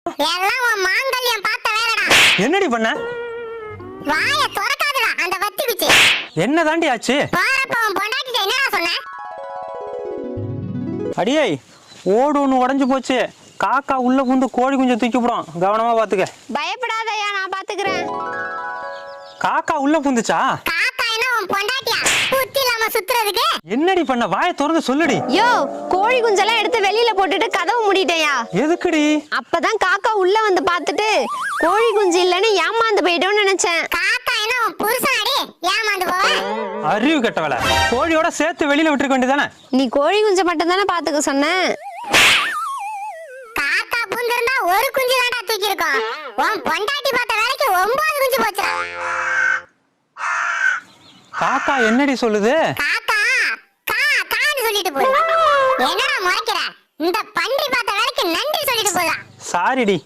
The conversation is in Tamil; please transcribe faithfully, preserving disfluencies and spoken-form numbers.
எல்லாம் உன் மாங்கல்யம் பார்த்த வேலைடா. என்னடி பண்ண? வாயை திறக்காதடா அந்த வத்தி குச்சி. என்ன தாண்டி ஆச்சு? போறப்ப உன் பொண்டாட்டிட்ட என்னடா சொன்ன? அடியே ஓடு ஒன்று உடஞ்சு போச்சு. காக்கா உள்ள புந்து கோழி குஞ்சு தூக்கி போடும், கவனமா பாத்துக்க. பயப்படாதயா, நான் பாத்துக்கிறேன். காக்கா உள்ள புந்துச்சா? காக்கா என்ன உன் பொண்டாட்டியா புத்தி இல்லாம சுத்துறதுக்கு? என்னடி பண்ண? வாயை திறந்து சொல்லுடி. யோ, கோழி குஞ்செல்லாம் எடுத்து வெளியில போட்டுட்டு கதவு மூடிட்டேயா. எதுக்குடி? அப்பதான் காக்கா உள்ள வந்து பாத்துட்டு கோழி குஞ்சு இல்லன்னு ஏமாந்து போயிட்டோம்னு நினைச்சேன். காக்கா என்ன உன் புருஷனாடி ஏமாந்து போவ? அறிவு கெட்டவள, கோழியோட சேர்த்து வெளியில விட்டுருக்க வேண்டியதானே? நீ கோழி குஞ்சை மட்டும் தானே பாத்துக்க சொன்ன. காக்கா புந்திருந்தா ஒரு குஞ்சு தான்டா தூக்கி இருக்கோம். உன் பொண்டாட்டி பார்த்த வேலைக்கு ஒன்பது குஞ்சு போச்சுடா. காக்கா என்னடி சொல்லுது? காக்கா கா கான்னு சொல்லிட்டு போகுது. என்னடா முறைக்கிற? இந்த பன்றி பார்த்த வேலைக்கு நன்றி சொல்லிட்டு போதா. சாரிடி.